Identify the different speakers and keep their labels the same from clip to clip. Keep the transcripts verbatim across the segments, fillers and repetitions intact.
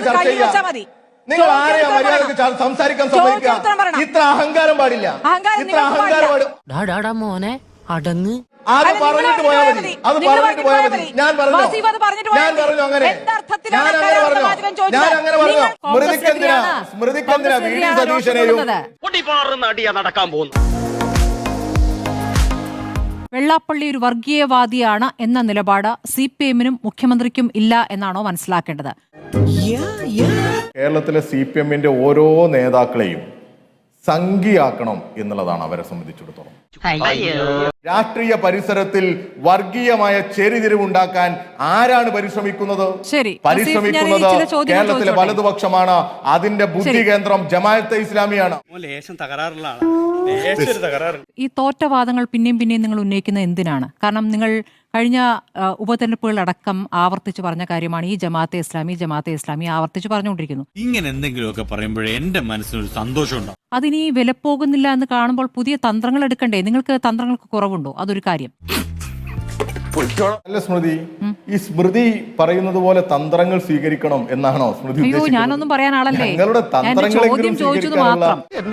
Speaker 1: ചർച്ച ചെയ്യാം. നിങ്ങൾ ആരെയാ മര്യാദക്ക് സംസാരിക്കാൻ സമ്മതിക്കുക? ഇത്ര അഹങ്കാരം പാടില്ല, ഇത്ര അഹങ്കാരം പാടില്ല.
Speaker 2: മോനെ അടങ്ങ്.
Speaker 1: അത് പറഞ്ഞിട്ട് പോയാൽ മതി, അത് പറഞ്ഞിട്ട് പോയാൽ മതി. ഞാൻ പറഞ്ഞു, ഞാൻ പറഞ്ഞു അങ്ങനെ, ഞാൻ അങ്ങനെ പറഞ്ഞു, ഞാൻ അങ്ങനെ പറഞ്ഞു. സ്മൃതിക്കെന്തിനാ സ്മൃതിക്കെന്തിനാ വി ഡി സതീശനെയും
Speaker 3: നടക്കാൻ പോകുന്നു.
Speaker 4: വെള്ളാപ്പള്ളി ഒരു വർഗീയവാദിയാണ് എന്ന നിലപാട് സി പി എമ്മിനും മുഖ്യമന്ത്രിക്കും ഇല്ല എന്നാണോ മനസ്സിലാക്കേണ്ടത്?
Speaker 1: കേരളത്തിലെ സി പി എമ്മിന്റെ ഓരോ നേതാക്കളെയും സംഘിയാക്കണം എന്നുള്ളതാണ് അവരെ സംബന്ധിച്ചിടത്തോളം. രാഷ്ട്രീയ പരിസരത്തിൽ വർഗീയമായ ചേരിതിരിവുണ്ടാക്കാൻ ആരാണ് പരിശ്രമിക്കുന്നത്? പരിശ്രമിക്കുന്നത് കേരളത്തിലെ വലതുപക്ഷമാണ്. അതിന്റെ ബുദ്ധി കേന്ദ്രം ജമാഅത്തെ ഇസ്ലാമിയാണ്.
Speaker 4: ഈ തോറ്റവാദങ്ങൾ പിന്നെയും പിന്നെയും നിങ്ങൾ ഉന്നയിക്കുന്നത് എന്തിനാണ്? കാരണം നിങ്ങൾ കഴിഞ്ഞ ഉപതെരഞ്ഞെടുപ്പുകളടക്കം ആവർത്തിച്ച് പറഞ്ഞ കാര്യമാണ് ഈ ജമാഅത്തെ ഇസ്ലാമി ജമാഅത്തെ ഇസ്ലാമി ആവർത്തിച്ച് പറഞ്ഞുകൊണ്ടിരിക്കുന്നു.
Speaker 5: ഇങ്ങനെ എന്തെങ്കിലുമൊക്കെ പറയുമ്പോഴേ എന്റെ മനസ്സിനൊരു സന്തോഷമുണ്ടോ?
Speaker 4: അതിനി വിലപ്പോകുന്നില്ല എന്ന് കാണുമ്പോൾ പുതിയ തന്ത്രങ്ങൾ എടുക്കണ്ടേ? നിങ്ങൾക്ക് തന്ത്രങ്ങൾക്ക് കുറവുണ്ടോ? അതൊരു കാര്യം.
Speaker 1: അല്ല സ്മൃതി, ഈ സ്മൃതി പറയുന്നത് പോലെ തന്ത്രങ്ങൾ സ്വീകരിക്കണം എന്നാണോ സ്മൃതി?
Speaker 4: അയ്യോ, ഞാനൊന്നും പറയാൻ ആളല്ലേ.
Speaker 1: ഞങ്ങളുടെ തന്ത്രങ്ങളെങ്കിലും സ്വീകരിക്കാനുള്ള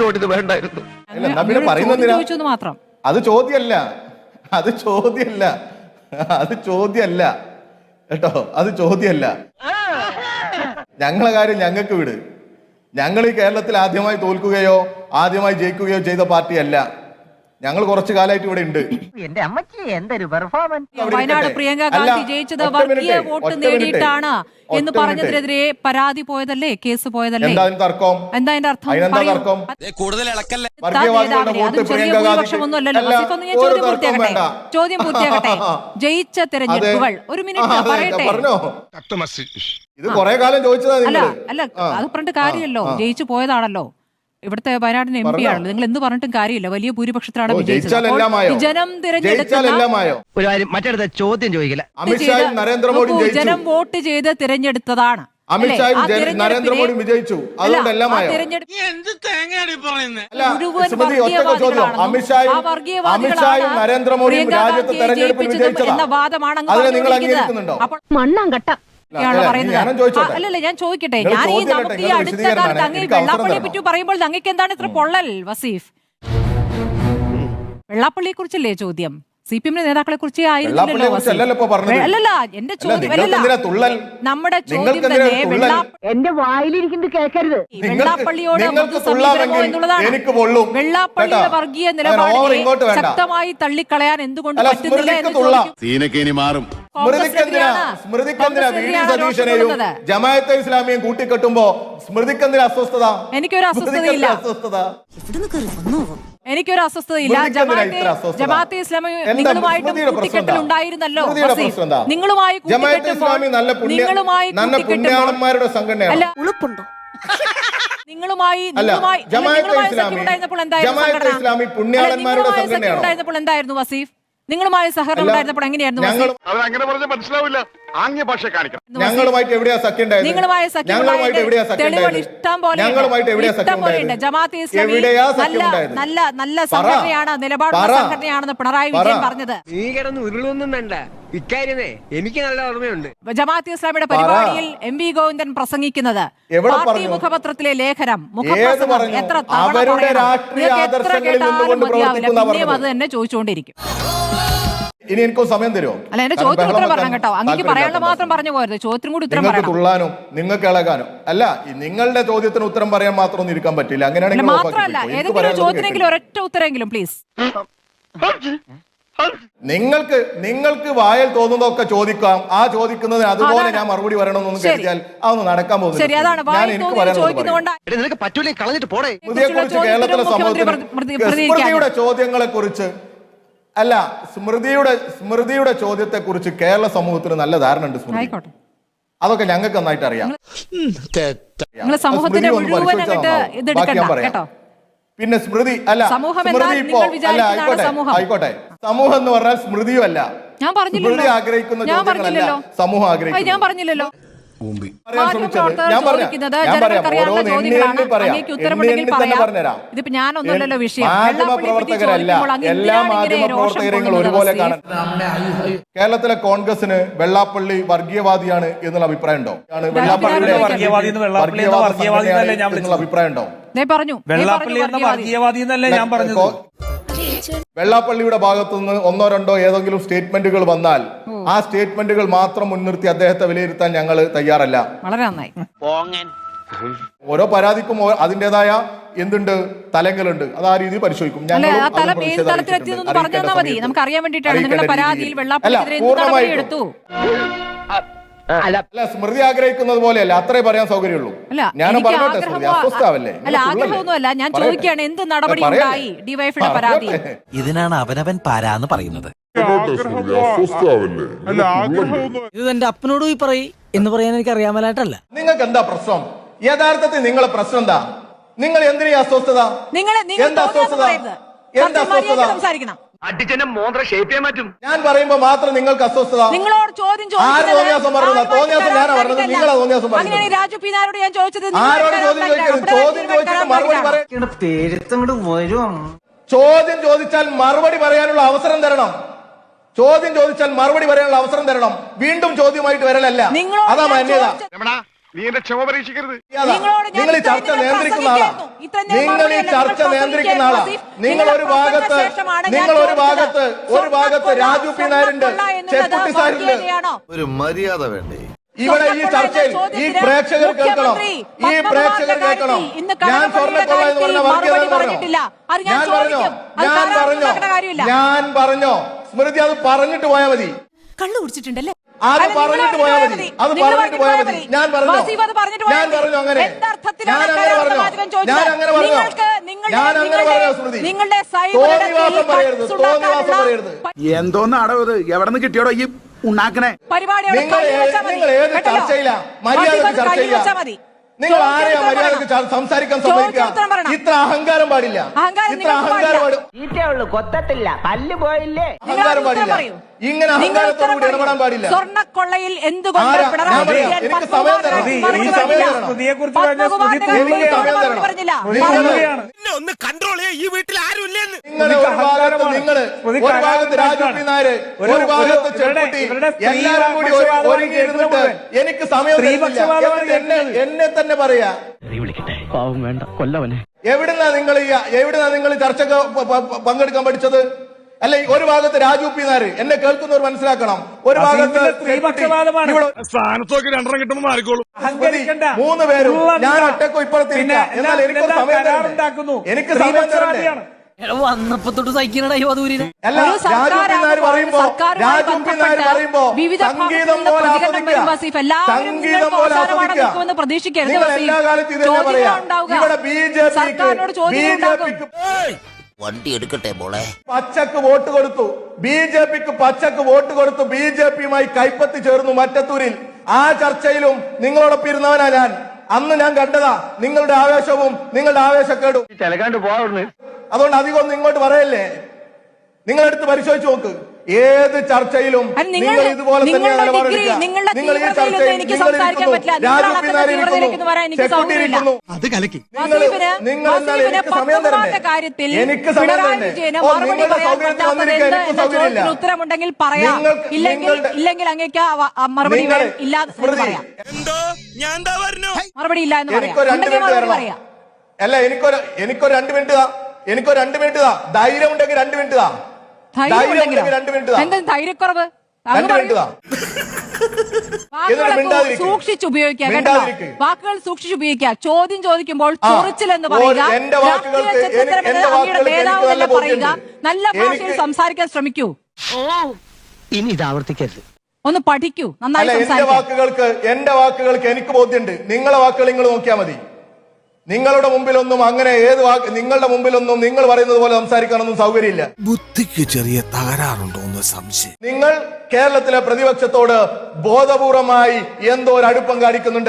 Speaker 4: ചോദിച്ചത് മാത്രം.
Speaker 1: അത് ചോദ്യമല്ല, അത് ചോദ്യമല്ല, അത് ചോദ്യമല്ല കേട്ടോ, അത് ചോദ്യമല്ല. ഞങ്ങളെ കാര്യം ഞങ്ങൾക്ക് വിട്. ഞങ്ങൾ ഈ കേരളത്തിൽ ആദ്യമായി തോൽക്കുകയോ ആദ്യമായി ജയിക്കുകയോ ചെയ്ത പാർട്ടിയല്ല. ഞങ്ങൾ കുറച്ചു കാലമായിട്ട് ഇവിടെ ഉണ്ട്.
Speaker 2: എന്റെ അമ്മച്ചി എന്തൊരു പെർഫോമൻസ്.
Speaker 4: വയനാട് പ്രിയങ്ക ഗാന്ധി ജയിച്ചത് വർഗീയ വോട്ട് നേടിയിട്ടാണ് എന്ന് പറഞ്ഞതിനെതിരെ പരാതി പോയതല്ലേ, കേസ് പോയതല്ലേ?
Speaker 1: എന്താ തർക്കം?
Speaker 4: എന്താ അതിന്റെ അർത്ഥം? ചോദ്യം പൂർത്തിയാകട്ടെ, ചോദ്യം പൂർത്തിയാകട്ടെ. ജയിച്ച തെരഞ്ഞെടുപ്പുകൾ ഒരു മിനിറ്റ് പറയട്ടെ.
Speaker 1: ഇത് കുറെ കാലം ചോദിച്ചതാ.
Speaker 4: അല്ല അല്ല അത് പറഞ്ഞിട്ട് കാര്യമല്ലോ, ജയിച്ചു പോയതാണല്ലോ. ഇവിടുത്തെ വയനാടിന് എം പി ആണല്ലോ. നിങ്ങൾ എന്ത് പറഞ്ഞിട്ടും കാര്യമില്ല. വലിയ ഭൂരിപക്ഷത്തിലാണ് വിജയിച്ചത്. ജനം
Speaker 2: മറ്റടുത്ത ചോദ്യം ചോദിക്കില്ല.
Speaker 4: ജനം വോട്ട് ചെയ്ത് തിരഞ്ഞെടുത്തതാണ്.
Speaker 1: നരേന്ദ്രമോദി വിജയിച്ചു.
Speaker 4: എന്ന വാദമാണ് മണ്ണാങ്കട്ട. അല്ലല്ല, ഞാൻ ചോദിക്കട്ടെ, ഞാൻ ഈ നമുക്ക് ഈ അടുത്ത കാലത്ത് അങ്ങ് വെള്ളാപ്പള്ളിയെ പറ്റി പറയുമ്പോൾ അങ്ങക്ക് എന്താണ് ഇത്ര പൊള്ളൽ വസീഫ്? വെള്ളാപ്പള്ളിയെ കുറിച്ചല്ലേ ചോദ്യം? സി പി എമ്മിന്റെ നേതാക്കളെ കുറിച്ച് ആയിരുന്നില്ലല്ലോ. അല്ലല്ല, എന്റെ ചോദ്യം നമ്മുടെ ചോദ്യം തന്നെ
Speaker 2: എന്റെ വായിലിരിക്കുന്നത് കേൾക്കരുത്.
Speaker 4: വെള്ളാപ്പള്ളിയോട് സമീപനമോ എന്നുള്ളതാണ്. വെള്ളാപ്പള്ളിയുടെ വർഗീയ നിലപാടിനെ ശക്തമായി തള്ളിക്കളയാൻ എന്തുകൊണ്ട് പറ്റുന്നില്ല എന്ന് ചോദിക്കും.
Speaker 1: ജമാഅത്തെ ഇസ്ലാമിയും കൂട്ടിക്കെട്ടുമ്പോ സ്മൃതിക്കെന്തിന് അസ്വസ്ഥത?
Speaker 4: എനിക്കൊരു അസ്വസ്ഥതയില്ല, എനിക്കൊരു അസ്വസ്ഥതയില്ല. ജമാഅത്തെ ഇസ്ലാമി നിങ്ങളുമായിട്ട് കൂട്ടിക്കെട്ടലുണ്ടായിരുന്നല്ലോ. നിങ്ങളുമായി
Speaker 1: പുണ്യാളന്മാരുടെ സംഘടനയാണ്.
Speaker 4: ഉളുപ്പുണ്ടോ നിങ്ങളുമായി? നിങ്ങളുമായി ഉണ്ടായിരുന്നപ്പോൾ എന്തായിരുന്നു വസീഫ്? നിങ്ങളുമായി സഹകരണം ഉണ്ടായിരുന്നപ്പോൾ എങ്ങനെയായിരുന്നു?
Speaker 1: ഞങ്ങളുമായിട്ട് എവിടെയാ സഖ്യം ഉണ്ടായത്?
Speaker 4: നിങ്ങളുമായി ഇഷ്ടം പോലെ ഇഷ്ടം പോലെയുണ്ട്. ജമാഅത്തെ ഇസ്ലാമി നല്ല നല്ല നല്ല സംഘടനയാണ്, നിലപാടുള്ള സംഘടനയാണെന്ന് പിണറായി വിജയൻ പറഞ്ഞത്.
Speaker 6: നീ കിടന്ന് ഉരുളൊന്നും വേണ്ട, ഇക്കാര്യമേ എനിക്ക് നല്ല ഓർമ്മയുണ്ട്.
Speaker 4: ജമാഅത്തെ ഇസ്ലാമിയുടെ പരിപാടിയിൽ എം വി ഗോവിന്ദൻ പ്രസംഗിക്കുന്നത് പാർട്ടി മുഖപത്രത്തിലെ ലേഖനം മുഖപ്രസംഗം എത്ര തവണ എത്ര കേട്ടാലും മതിയാവില്ല, പിന്നെയും അത് തന്നെ ചോദിച്ചുകൊണ്ടിരിക്കും.
Speaker 1: ഇനി എനിക്കും സമയം തരുമോ?
Speaker 4: അല്ല, എന്റെ ചോദ്യത്തിന് ഉത്തരം പറയണം കേട്ടോ. അങ്ങേക്ക് പറയാനുള്ള മാത്രം പറഞ്ഞു പോയത്, ചോദ്യത്തിനും കൂടി ഉത്തരം പറയണം.
Speaker 1: തുള്ളാനും നിങ്ങൾക്ക് ഇളകാനും അല്ല, നിങ്ങളുടെ ചോദ്യത്തിന് ഉത്തരം പറയാൻ മാത്രം ഒന്നും ഇരിക്കാൻ പറ്റില്ല. അങ്ങനെയാണെങ്കിൽ
Speaker 4: മാത്രമല്ല, ഏതെങ്കിലും ചോദ്യത്തിനെങ്കിലും ഒരൊറ്റ ഉത്തരമെങ്കിലും പ്ലീസ്.
Speaker 1: നിങ്ങൾക്ക് നിങ്ങൾക്ക് വായൽ തോന്നുന്നതൊക്കെ ചോദിക്കാം. ആ ചോദിക്കുന്നതിന് അതുപോലെ ഞാൻ മറുപടി പറയണമെന്നൊന്നും കരുതിയാൽ അതൊന്നും നടക്കാൻ പോകുന്നില്ല. കേരളത്തിലെ സമൂഹത്തിന്റെ ചോദ്യങ്ങളെ കുറിച്ച് അല്ല, സ്മൃതിയുടെ സ്മൃതിയുടെ ചോദ്യത്തെ കുറിച്ച് കേരള സമൂഹത്തിന് നല്ല ധാരണ ഉണ്ട്. സ്മൃതി, അതൊക്കെ ഞങ്ങൾക്ക് നന്നായിട്ട് അറിയാം. പിന്നെ സ്മൃതി അല്ല, സ്മൃതി ഇപ്പോ അല്ല, ആയിക്കോട്ടെ ആയിക്കോട്ടെ സമൂഹം എന്ന് പറഞ്ഞാൽ സ്മൃതിയും അല്ല.
Speaker 4: ഞാൻ പറഞ്ഞില്ലല്ലോ,
Speaker 1: സ്മൃതി ആഗ്രഹിക്കുന്ന ചോദ്യങ്ങളല്ല സമൂഹം ആഗ്രഹിക്കുന്നത്.
Speaker 4: ഞാൻ പറഞ്ഞില്ലല്ലോ.
Speaker 1: പറയാൻ ശ്രമിച്ചത് ഞാൻ പറയാം
Speaker 4: ചോദിക്കുന്നത്
Speaker 1: ഞാൻ പറയാം
Speaker 4: ജനങ്ങൾക്കറിയാവുന്ന
Speaker 1: ഓരോന്ന് എണ്ണി
Speaker 4: ചോദ്യങ്ങളാണ്.
Speaker 1: എണ്ണി പറയാം
Speaker 4: അങ്ങേക്ക്
Speaker 1: എണ്ണി
Speaker 4: ഉത്തരമുണ്ടെങ്കിൽ
Speaker 1: എണ്ണി തന്നെ
Speaker 4: പറയാം.
Speaker 1: പറഞ്ഞുതരാം.
Speaker 4: ഇതിപ്പോ ഞാനൊന്നുമല്ലല്ലോ വിഷയം.
Speaker 1: മാധ്യമ
Speaker 4: വെള്ളാപ്പള്ളിയെ പറ്റി
Speaker 1: പ്രവർത്തകരല്ല
Speaker 4: ചോദിക്കുമ്പോൾ അങ്ങ്
Speaker 1: എല്ലാ
Speaker 4: എന്തിനാണ് ഇങ്ങനെ
Speaker 1: മാധ്യമ
Speaker 4: രോഷം
Speaker 1: പ്രവർത്തകരെയും
Speaker 4: കൊള്ളുന്നത്
Speaker 1: ഒരുപോലെ
Speaker 4: വസീഫ്?
Speaker 1: കാണാൻ കേരളത്തിലെ കോൺഗ്രസിന് വെള്ളാപ്പള്ളി വർഗീയവാദിയാണ് എന്നുള്ള അഭിപ്രായം ഉണ്ടോ? വെള്ളാപ്പള്ളിയുടെ
Speaker 7: വർഗീയവാദി എന്ന് വെള്ളാപ്പള്ളി എന്ന വർഗീയവാദി എന്നല്ലേ ഞാൻ
Speaker 1: എന്നുള്ള അഭിപ്രായം ഉണ്ടോ?
Speaker 4: ദേ പറഞ്ഞു ദേ
Speaker 7: വെള്ളാപ്പള്ളി എന്ന
Speaker 4: പറഞ്ഞു
Speaker 7: വർഗീയവാദി എന്നല്ലേ ഞാൻ പറഞ്ഞത്.
Speaker 1: വെള്ളാപ്പള്ളിയുടെ ഭാഗത്തുനിന്ന് ഒന്നോ രണ്ടോ ഏതെങ്കിലും സ്റ്റേറ്റ്മെന്റുകൾ വന്നാൽ ആ സ്റ്റേറ്റ്മെന്റുകൾ മാത്രം മുൻനിർത്തി അദ്ദേഹത്തെ വിലയിരുത്താൻ ഞങ്ങൾ തയ്യാറല്ല.
Speaker 4: വളരെ നന്നായി.
Speaker 1: ഓരോ പരാതിക്കും ഓ- അതിന്റേതായ എന്തുണ്ട് തലങ്ങളുണ്ട്. അത് ആ രീതിയിൽ പരിശോധിക്കും.
Speaker 4: അല്ലെ
Speaker 1: ഞങ്ങളും
Speaker 4: ആ
Speaker 1: അത്
Speaker 4: തലം ഏത്
Speaker 1: പ്രതിഷേധം
Speaker 4: തലത്തിലെത്തിയെന്ന്
Speaker 1: അറിയിക്കേണ്ട
Speaker 4: പറഞ്ഞു തന്നാൽ മതി.
Speaker 1: സമയത്ത്
Speaker 4: നമുക്ക് അറിയാൻ വേണ്ടിയിട്ടാണ്
Speaker 1: അറിയിക്കേണ്ട
Speaker 4: നിങ്ങളുടെ പരാതിയിൽ
Speaker 1: രീതിയിൽ.
Speaker 4: വെള്ളാപ്പള്ളിക്കെതിരെ
Speaker 1: അല്ല,
Speaker 4: എന്ത് നടപടി
Speaker 1: പൂർണ്ണമായിട്ടും.
Speaker 4: എടുത്തു?
Speaker 1: അല്ല സ്മൃതി ആഗ്രഹിക്കുന്നത് പോലെയല്ല, അത്രേ പറയാൻ സൗകര്യമുള്ളൂ.
Speaker 4: അല്ല
Speaker 1: ഞാനും
Speaker 4: എനിക്ക്
Speaker 1: പറയട്ടെ സ്മൃതി,
Speaker 4: ആഗ്രഹമോ
Speaker 1: അസ്വസ്ഥാവല്ലേ?
Speaker 4: അല്ല ആഗ്രഹമൊന്നുമല്ല, ഞാൻ ചോദിക്കുകയാണ് എന്ത് നടപടി ഉണ്ടായി ഡിവൈഎഫിയുടെ പരാതി?
Speaker 8: ഇതിനാണ് അവനവൻ പാരാന്ന് പറയുന്നത്.
Speaker 2: ഇത് എന്റെ അപ്പനോട് പോയി പറയ് എന്ന് പറയാൻ എനിക്ക് അറിയാമലായിട്ടല്ല.
Speaker 1: നിങ്ങൾക്ക് എന്താ പ്രശ്നം? യഥാർത്ഥത്തിൽ നിങ്ങളെ പ്രശ്നം എന്താ? നിങ്ങൾ എന്തിനാ ഈ അസ്വസ്ഥത?
Speaker 4: നിങ്ങൾ നിങ്ങൾ
Speaker 1: എന്താ അസ്വസ്ഥത? എന്താ അസ്വസ്ഥത?
Speaker 4: സംസാരിക്കണം.
Speaker 3: അടിച്ചനെ മോന്ത്ര ഷേപ്പ് ചെയ്യാൻ പറ്റും.
Speaker 1: ഞാൻ പറയുമ്പോ മാത്രം നിങ്ങൾക്ക് അസ്വസ്ഥത.
Speaker 4: നിങ്ങളോട് ചോദ്യം
Speaker 1: ആര് തോന്നിയാസം പറഞ്ഞത്? തോന്നിയാസം ഞാനാ പറഞ്ഞത്, നിങ്ങളാ തോന്നിയാസം പറഞ്ഞത്.
Speaker 4: അങ്ങനെയാണ് രാജു പി നായരോട് ഞാൻ ചോദിച്ചത്.
Speaker 1: ആരോട് ചോദ്യം ചോദിക്കരുത്. ചോദ്യം ചോദിച്ചിട്ട് മറുപടി പറയാം.
Speaker 2: പേരുത്തങ്ങോട്ട് വരും.
Speaker 1: ചോദ്യം ചോദിച്ചാൽ മറുപടി പറയാനുള്ള അവസരം തരണം. ചോദ്യം ചോദിച്ചാൽ മറുപടി പറയാനുള്ള അവസരം തരണം. വീണ്ടും ചോദ്യമായിട്ട് വരലല്ല.
Speaker 4: നിങ്ങളോട്
Speaker 1: അതാ
Speaker 4: ഞാൻ
Speaker 1: മാന്യത.
Speaker 4: ചോദിച്ച-
Speaker 3: നീ എന്റെ ക്ഷമ പരീക്ഷിക്കരുത്.
Speaker 4: നിങ്ങളോട് ഞാൻ
Speaker 1: നിങ്ങൾ ഈ
Speaker 4: ഇത്രയും
Speaker 1: ചർച്ച
Speaker 4: നേരം
Speaker 1: നിയന്ത്രിക്കുന്ന ആളാ.
Speaker 4: പ്രസംഗിക്കുന്നു. ഇത്രയും നേരം
Speaker 1: നിങ്ങൾ ഈ
Speaker 4: മറുപടിയല്ല,
Speaker 1: ചർച്ച
Speaker 4: നിങ്ങൾ
Speaker 1: നിയന്ത്രിക്കുന്ന ആളാ.
Speaker 4: പ്രസംഗിക്കുകയാണ്.
Speaker 1: നിങ്ങൾ ഒരു
Speaker 4: നിങ്ങളുടെ
Speaker 1: ഭാഗത്ത്
Speaker 4: പ്രസംഗശേഷമാണ് ഞാൻ
Speaker 1: നിങ്ങൾ ഒരു
Speaker 4: ചോദിച്ചത്.
Speaker 1: ഭാഗത്ത് ഒരു ഭാഗത്ത് രാജു പി നായരുണ്ട്,
Speaker 4: സ്വർണ്ണക്കൊള്ള എന്നുള്ളത്
Speaker 1: ചെക്കുട്ടി സാറുണ്ട്.
Speaker 4: വർഗീയതയാണോ?
Speaker 8: ഒരു മര്യാദ വേണ്ടേ?
Speaker 1: ഇവിടെ ഈ ചർച്ചയിൽ ഈ പ്രേക്ഷകർ കേൾക്കണം, ഈ പ്രേക്ഷകർ കേൾക്കണം. ഞാൻ സ്വർണ്ണക്കൊള്ള എന്ന് പറഞ്ഞ വർഗീയത പറഞ്ഞോ? ഞാൻ പറഞ്ഞോ? ഞാൻ പറഞ്ഞോ? ഞാൻ പറഞ്ഞോ? സ്മൃതി അത് പറഞ്ഞിട്ട് പോയാൽ മതി.
Speaker 4: കള്ളു കുടിച്ചിട്ടുണ്ടല്ലേ?
Speaker 1: അത് പറഞ്ഞിട്ട് പോയാൽ മതി. അത് പറഞ്ഞിട്ട് പോയാൽ മതി. ഞാൻ പറഞ്ഞോ? ഞാൻ പറഞ്ഞോ? അങ്ങനെ ഞാൻ അങ്ങനെ പറഞ്ഞോ? ഞാൻ അങ്ങനെ പറഞ്ഞോ? ഞാൻ അങ്ങനെ പറഞ്ഞോ? സ്മൃതി തോന്നിവാസം പറയരുത്, തോന്നിവാസം പറയരുത്.
Speaker 9: എന്തോന്നാടോ ഇത്? എവിടെ നിന്ന് കിട്ടിയോടോ ഈ ഉണ്ടാക്കണേ?
Speaker 1: നിങ്ങൾ ഏ- നിങ്ങൾ ഏത് ചർച്ചയിലാ? മര്യാദക്ക് ചർച്ചയില്ല. നിങ്ങൾ ആരെയാ മര്യാദക്ക് ച- സംസാരിക്കാൻ സമ്മതിക്കുക? ഇത്ര അഹങ്കാരം പാടില്ല. ഇത്ര അഹങ്കാരം പാടില്ല.
Speaker 2: ഈറ്റയുള്ളൂ കൊത്തത്തില്ല പല്ല് പോയില്ലേ.
Speaker 1: അഹങ്കാരം പാടില്ല. ഇങ്ങനെ അഹങ്കാരത്തോടു കൂടി ഇടപെടാൻ പാടില്ല.
Speaker 4: സ്വർണ്ണക്കൊള്ളയിൽ എന്തുകൊണ്ട്
Speaker 1: ആരാ?
Speaker 4: പിണറായി
Speaker 1: ഞാൻ പറയാം.
Speaker 4: വിജയൻ
Speaker 1: എനിക്ക് സമയം തരണം.
Speaker 4: പത്മകുമാറിനെ
Speaker 1: ഈ സമയം തരണം.
Speaker 7: സ്മൃതിയെക്കുറിച്ച് പറഞ്ഞ സ്മൃതി
Speaker 4: പത്മകുമാറിനെ
Speaker 1: എനിക്ക് സമയം തരണം.
Speaker 4: പറഞ്ഞില്ല.
Speaker 7: സ്മൃതിയാണ്.
Speaker 3: ഒന്ന് കൺട്രോൾ ചെയ്യാ. ഈ വീട്ടിൽ ആരും ഇല്ലെന്ന്.
Speaker 1: നിങ്ങള് ഒരു ഭാഗത്ത് നിങ്ങള് ഒരു ഭാഗത്ത് രാജു പി നായര് ഒരു ഭാഗത്ത് ചെറുപ്പട്ടി എല്ലാവരും കൂടി ഒരു- ഒരുങ്ങി ഇരുന്നിട്ട് എനിക്ക് സമയം തരുന്നില്ല. എന്നിട്ട് എന്നെ എന്നെ തന്നെ പറയാ. എവിടുന്നാ നിങ്ങൾ ഈ എവിടുന്നാ നിങ്ങൾ ചർച്ചക്ക് പ- പ- പങ്കെടുക്കാൻ പഠിച്ചത്? അല്ലെ ഒരു ഭാഗത്ത് രാജു പി നായര്, എന്നെ കേൾക്കുന്നവർ മനസ്സിലാക്കണം. ഒരു ഭാഗത്ത്
Speaker 7: സ്ത്രീപക്ഷപാതമാണ്.
Speaker 1: ഇവിടെ
Speaker 3: സ്ഥാനത്തൊക്കെ രണ്ടെണ്ണം കിട്ടുമ്പോൾ മാറിക്കോളും.
Speaker 7: അഹങ്കരിക്കണ്ട.
Speaker 1: മൂന്ന് പേരും
Speaker 7: ഉള്ള
Speaker 1: ഞാൻ ഒറ്റക്കോ ഇപ്പുറത്തിരിക്കാം.
Speaker 7: പിന്നെ
Speaker 1: എന്നാൽ എനിക്ക്
Speaker 7: എന്താ
Speaker 1: സമയം തരണ്ടേ?
Speaker 7: കരാറുണ്ടാക്കുന്നു?
Speaker 1: എനിക്ക് സമയം തരണ്ടേ?
Speaker 7: സ്ത്രീപക്ഷപാതിയാണ്.
Speaker 2: വന്നപ്പോ തൊട്ട് സഹിക്കണ യുവതൂരിനെ.
Speaker 1: അല്ല
Speaker 4: ഒരു
Speaker 1: രാജു പി നായർ പറയുമ്പോ
Speaker 4: സർക്കാരുമായി
Speaker 1: രാജു പി നായർ
Speaker 4: ബന്ധപ്പെട്ട്
Speaker 1: പറയുമ്പോ
Speaker 4: വിവിധ
Speaker 1: സംഗീതം
Speaker 4: ഭാഗത്തുനിന്ന്
Speaker 1: പോലെ
Speaker 4: പ്രതികരണം വരും വസീഫ്.
Speaker 1: ആസ്വദിക്കുക.
Speaker 4: എല്ലാവരും
Speaker 1: സംഗീതം
Speaker 4: നിങ്ങൾക്ക്
Speaker 1: പോലെ
Speaker 4: അവസാനമാണ്
Speaker 1: ആസ്വദിക്കുക.
Speaker 4: നിൽക്കുമെന്ന് പ്രതീക്ഷിക്കരുത്
Speaker 1: നിങ്ങൾ
Speaker 4: വസീഫ്.
Speaker 1: എല്ലാ കാലത്തും ഇത് തന്നെ പറയാ.
Speaker 4: ചോദ്യങ്ങൾ ഉണ്ടാവുക.
Speaker 1: ഇവിടെ ബി ജെ പിക്ക്
Speaker 4: സർക്കാരിനോട്
Speaker 1: ബി
Speaker 4: ചോദ്യങ്ങൾ
Speaker 1: ജെ
Speaker 4: ഉണ്ടാകും.
Speaker 1: പിക്ക്
Speaker 8: വണ്ടി എടുക്കട്ടെ മോളെ.
Speaker 1: പച്ചക്ക് വോട്ട് കൊടുത്തു. ബി ജെ പിക്ക് പച്ചക്ക് വോട്ട് കൊടുത്തു. ബി ജെ പിയുമായി കൈപ്പത്തി ചേർന്നു മറ്റത്തൂരിൽ. ആ ചർച്ചയിലും നിങ്ങളോടൊപ്പം ഇരുന്നവനാ ഞാൻ. അന്ന് ഞാൻ കണ്ടതാ നിങ്ങളുടെ ആവേശവും നിങ്ങളുടെ ആവേശക്കേടും.
Speaker 3: ചിലക്കാണ്ട് പോവാ.
Speaker 1: അതുകൊണ്ട് അധികം ഒന്നും ഇങ്ങോട്ട് പറയല്ലേ. നിങ്ങളെടുത്ത് പരിശോധിച്ച് നോക്ക്. ഏത് ചർച്ചയിലും
Speaker 4: അത് നിങ്ങൾ-
Speaker 1: നിങ്ങൾ ഇതുപോലെ തന്നെ
Speaker 4: നിങ്ങളുടെ
Speaker 1: നിലപാടെടുക്കുക.
Speaker 4: ഡിഗ്രി, നിങ്ങളുടെ
Speaker 1: നിങ്ങൾ ഈ
Speaker 4: തീവ്രതയിലൊന്നും
Speaker 1: ചർച്ചയിൽ
Speaker 4: എനിക്ക്
Speaker 1: നിങ്ങൾ
Speaker 4: സംസാരിക്കാൻ
Speaker 1: ഇരിക്കുന്നു.
Speaker 4: പറ്റില്ല. നിങ്ങൾ
Speaker 1: രാജു
Speaker 4: അളക്കുന്ന
Speaker 1: പിന്നാലെ
Speaker 4: തീവ്രതയിലേക്ക് വരാൻ എനിക്ക്
Speaker 1: ചെക്കുട്ടി
Speaker 4: സൗകര്യമില്ല.
Speaker 1: ഇരിക്കുന്നു.
Speaker 9: അത് കലക്കി.
Speaker 1: നിങ്ങൾ
Speaker 4: വസീഫിന്
Speaker 1: നിങ്ങൾ എന്നാൽ
Speaker 4: വസീഫിന്
Speaker 1: എനിക്ക് സമയം
Speaker 4: പത്മകുമാറിന്റെ
Speaker 1: തരണ്ടേ?
Speaker 4: കാര്യത്തിൽ
Speaker 1: എനിക്ക് സമയം
Speaker 4: പിണറായി
Speaker 1: തരണ്ടേ?
Speaker 4: വിജയന്
Speaker 1: ഓ,
Speaker 4: മറുപടി
Speaker 1: നിങ്ങളുടെ
Speaker 4: പറയാൻ
Speaker 1: സൗകര്യത്തിന്
Speaker 4: പറ്റാത്തത്
Speaker 1: വന്നിരിക്കാൻ
Speaker 4: എന്ത്
Speaker 1: എനിക്ക്
Speaker 4: എന്ന
Speaker 1: സൗകര്യമില്ല.
Speaker 4: ചോദ്യത്തിന് ഉത്തരമുണ്ടെങ്കിൽ പറയാം.
Speaker 1: നിങ്ങൾക്ക്
Speaker 4: ഇല്ലെങ്കിൽ
Speaker 1: നിങ്ങളുടെ-
Speaker 4: ഇല്ലെങ്കിൽ അങ്ങേക്ക് ആ വ- ആ മറുപടി
Speaker 1: നിങ്ങൾ-
Speaker 4: വേ- ഇല്ല എന്ന്
Speaker 1: സ്മൃതി,
Speaker 4: പറയാം.
Speaker 3: എന്തോ ഞാൻ എന്താ പറഞ്ഞു.
Speaker 4: മറുപടി ഇല്ല എന്ന് പറയാം.
Speaker 1: എനിക്കൊരു രണ്ട്
Speaker 4: ഉണ്ടെങ്കിൽ
Speaker 1: മിനിറ്റ്
Speaker 4: മറുപടി
Speaker 1: തരണം.
Speaker 4: പറയാം.
Speaker 1: അല്ല എനിക്കൊരു എനിക്കൊരു രണ്ട് മിനിറ്റ് താ. എനിക്കൊരു രണ്ട് മിനിറ്റ് താ. ധൈര്യം ഉണ്ടെങ്കിൽ രണ്ട് മിനിറ്റ് താ.
Speaker 4: ധൈര്യം
Speaker 1: ധൈര്യം
Speaker 4: ഉണ്ടെങ്കിലോ?
Speaker 1: ഉണ്ടെങ്കിൽ രണ്ട് മിനിറ്റ് താ.
Speaker 4: എന്താ ധൈര്യക്കുറവ്? അങ്ങ്
Speaker 1: രണ്ട് മിനിറ്റ്
Speaker 4: പറയൂ.
Speaker 1: താ.
Speaker 4: വാക്കുകളൊക്കെ
Speaker 1: മിണ്ടാതിരിക്ക്.
Speaker 4: സൂക്ഷിച്ചുപയോഗിക്കുക കേട്ടോ.
Speaker 1: മിണ്ടാതിരിക്ക്.
Speaker 4: വാക്കുകൾ സൂക്ഷിച്ചുപയോഗിക്കുക. ചോദ്യം ചോദിക്കുമ്പോൾ
Speaker 1: ആ.
Speaker 4: ചൊറിച്ചിൽ എന്ന്
Speaker 1: ഓ,
Speaker 4: പറയുക.
Speaker 1: എന്റെ വാക്കുകൾക്ക്
Speaker 4: രാഷ്ട്രീയ ചരിത്രം
Speaker 1: എനിക്ക്
Speaker 4: എന്നത്
Speaker 1: എന്റെ
Speaker 4: അങ്ങയുടെ
Speaker 1: വാക്കുകൾക്ക്
Speaker 4: നേതാവ്
Speaker 1: എനിക്ക്
Speaker 4: തന്നെ
Speaker 1: നല്ല
Speaker 4: പറയുക.
Speaker 1: ബോധ്യമുണ്ട്.
Speaker 4: നല്ല ഭാഷയിൽ
Speaker 1: എനിക്ക്
Speaker 4: സംസാരിക്കാൻ ശ്രമിക്കൂ.
Speaker 2: ഇനി ഇത് ആവർത്തിക്കരുത്.
Speaker 4: ഒന്ന് പഠിക്കൂ.
Speaker 1: അല്ല
Speaker 4: നന്നായി
Speaker 1: എന്റെ
Speaker 4: സംസാരിക്കാം.
Speaker 1: വാക്കുകൾക്ക് എന്റെ വാക്കുകൾക്ക് എനിക്ക് ബോധ്യമുണ്ട്. നിങ്ങളെ വാക്കുകൾ നിങ്ങൾ നോക്കിയാൽ മതി. നിങ്ങളുടെ മുമ്പിലൊന്നും അങ്ങനെ ഏത് വാക്ക് നിങ്ങളുടെ മുമ്പിലൊന്നും നിങ്ങൾ പറയുന്നത് പോലെ സംസാരിക്കാനൊന്നും സൗകര്യമില്ല.
Speaker 8: ബുദ്ധിക്ക് ചെറിയ തകരാറുണ്ടോ എന്ന് സംശയം.
Speaker 1: നിങ്ങൾ കേരളത്തിലെ പ്രതിപക്ഷത്തോട് ബോധപൂർവമായി എന്തോ ഒരു അടുപ്പം കാണിക്കുന്നുണ്ട്.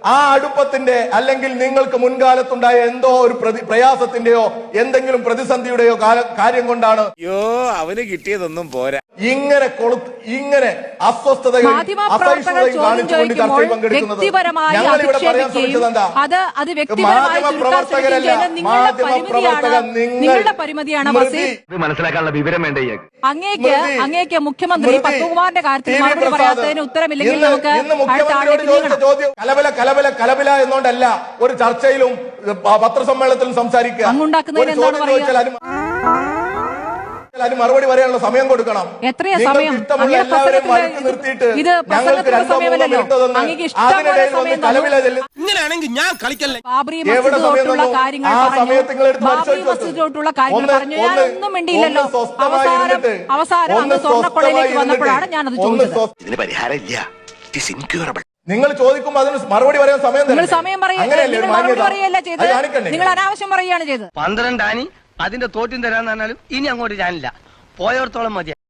Speaker 1: ആ അടുപ്പത്തിന്റെ അല്ലെങ്കിൽ നിങ്ങൾക്ക് മുൻകാലത്തുണ്ടായ എന്തോ ഒരു പ്രതി പ്രയാസത്തിന്റെയോ എന്തെങ്കിലും പ്രതിസന്ധിയുടെയോ കാല- കാര്യം കൊണ്ടാണ്
Speaker 3: അയ്യോ അവന് കിട്ടിയതൊന്നും പോരാ.
Speaker 1: ഇങ്ങനെ കൊളു ഇങ്ങനെ അസ്വസ്ഥതയും
Speaker 4: മാധ്യമപ്രവർത്തകർ
Speaker 1: അസഹിഷ്ണുതയും
Speaker 4: ചോദ്യം
Speaker 1: കാണിച്ചുകൊണ്ട് ചർച്ചയിൽ
Speaker 4: ചോദിക്കുമ്പോൾ
Speaker 1: പങ്കെടുക്കുന്നത്
Speaker 4: വ്യക്തിപരമായി
Speaker 1: ഞങ്ങൾ ഇവിടെ പറയാൻ ശ്രമിച്ചത്
Speaker 4: അധിക്ഷേപിക്കുകയും
Speaker 1: എന്താ?
Speaker 4: അത് അത് വ്യക്തിപരമായി ചുരുക്കാൻ
Speaker 1: മാധ്യമപ്രവർത്തകരല്ല,
Speaker 4: ശ്രമിക്കുകയും ചെയ്യുന്നത് നിങ്ങളുടെ
Speaker 1: മാധ്യമപ്രവർത്തകർ
Speaker 4: പരിമിതിയാണ്
Speaker 1: നിങ്ങൾ
Speaker 4: നിങ്ങളുടെ പരിമിതിയാണ്
Speaker 1: സ്മൃതി,
Speaker 4: വസീം.
Speaker 6: ഇത് മനസ്സിലാക്കാനുള്ള വിവരം വേണ്ട ഇയാൾക്ക്.
Speaker 4: അങ്ങേക്ക്
Speaker 1: സ്മൃതി,
Speaker 4: അങ്ങേക്ക് മുഖ്യമന്ത്രി
Speaker 1: സ്മൃതി,
Speaker 4: പത്മകുമാറിന്റെ കാര്യത്തിൽ
Speaker 1: ടി വി
Speaker 4: മറുപടി
Speaker 1: പ്രസാദ്,
Speaker 4: പറയാത്തതിന് ഉത്തരമില്ലെങ്കിൽ
Speaker 1: ഇന്ന്
Speaker 4: നമുക്ക്
Speaker 1: ഇന്ന്
Speaker 4: അടുത്ത
Speaker 1: മുഖ്യമന്ത്രിയോട്
Speaker 4: ആളിലേക്ക്
Speaker 1: ചോദിച്ച
Speaker 4: നീങ്ങണം.
Speaker 1: ചോദ്യം കലബല കലബല കലബല എന്നോണ്ടല്ല ഒരു ചർച്ചയിലും പ- പത്രസമ്മേളനത്തിലും സംസാരിക്കുക.
Speaker 4: അങ്ങുണ്ടാക്കുന്നതിന്
Speaker 1: ഒരു
Speaker 4: എന്താണ്
Speaker 1: ചോദ്യം
Speaker 4: പറയുക?
Speaker 1: ചോദിച്ചാൽ അതിന് അതിന് മറുപടി പറയാനുള്ള സമയം കൊടുക്കണം.
Speaker 4: എത്രയാ
Speaker 1: നിങ്ങൾക്ക്
Speaker 4: സമയം?
Speaker 1: ഇഷ്ടമുള്ള
Speaker 4: അങ്ങയുടെ
Speaker 1: എല്ലാവരെയും
Speaker 4: പ്രസംഗത്തിന്റെ
Speaker 1: വഴക്ക് നിർത്തിയിട്ട്
Speaker 4: ഇത്
Speaker 1: ഞങ്ങൾക്ക്
Speaker 4: പ്രസംഗത്തിന്റെ
Speaker 1: രണ്ടോ മൂന്നോ
Speaker 4: സമയമല്ലല്ലോ.
Speaker 1: മിനിറ്റ് തന്ന്
Speaker 4: അങ്ങേക്ക് ഇഷ്ടംപോലെ
Speaker 1: അതിനിടയിൽ വന്ന്
Speaker 4: സമയം
Speaker 1: കലബല
Speaker 4: തന്നു.
Speaker 1: ചെല്ലുന്ന
Speaker 3: ഇങ്ങനെയാണെങ്കിൽ ഞാൻ കളിക്കല്ലേ.
Speaker 4: ബാബറി
Speaker 1: എവിടെ
Speaker 4: മസ്ജിദ്
Speaker 1: സമയം
Speaker 4: തൊട്ടുള്ള
Speaker 1: തന്നു?
Speaker 4: കാര്യങ്ങൾ
Speaker 1: ആ
Speaker 4: പറഞ്ഞു.
Speaker 1: സമയത്ത് നിങ്ങൾ എടുത്ത്
Speaker 4: ബാബറി
Speaker 1: പരിശോധിച്ചു.
Speaker 4: മസ്ജിദ് തൊട്ടുള്ള കാര്യങ്ങൾ
Speaker 1: ഒന്ന്
Speaker 4: പറഞ്ഞു. ഞാൻ
Speaker 1: ഒന്ന്
Speaker 4: ഒന്നും മിണ്ടിയില്ലല്ലോ.
Speaker 1: ഒന്ന് സ്വസ്ഥമായി
Speaker 4: അവസാനം
Speaker 1: ഇരുന്നിട്ട്,
Speaker 4: അവസാനം
Speaker 1: ഒന്ന്
Speaker 4: അന്ന് സ്വർണ്ണക്കൊള്ളയിലേക്ക്
Speaker 1: സ്വസ്ഥമായി
Speaker 4: വന്നപ്പോഴാണ് ഞാനത്
Speaker 1: ഇരുന്നിട്ട്, ഒന്ന്
Speaker 4: ചോദിച്ചത്.
Speaker 1: സ്വസ്ഥ-
Speaker 8: ഇതിന് പരിഹാരം ഇല്ല ഇറ്റ് ഈസ് ഇൻക്യൂറബിൾ.
Speaker 1: നിങ്ങൾ ചോദിക്കുമ്പോൾ അതിന് മറുപടി പറയാൻ സമയം
Speaker 4: നിങ്ങൾ
Speaker 1: തരണ്ടേ?
Speaker 4: സമയം പറയുക
Speaker 1: അങ്ങനെയല്ലേ ഒരു
Speaker 4: നിങ്ങൾ മറുപടി
Speaker 1: മാന്യത?
Speaker 4: പറയുകയല്ല
Speaker 1: അത്
Speaker 4: ചെയ്തത്.
Speaker 1: കാണിക്കണ്ടേ?
Speaker 4: നിങ്ങൾ അനാവശ്യം പറയുകയാണ് ചെയ്തത്.
Speaker 6: പന്ത്രണ്ടാനി അതിന്റെ തോറ്റും തരാന്ന് പറഞ്ഞാലും ഇനി അങ്ങോട്ട് ഞാനില്ല. പോയോർത്തോളം മതി.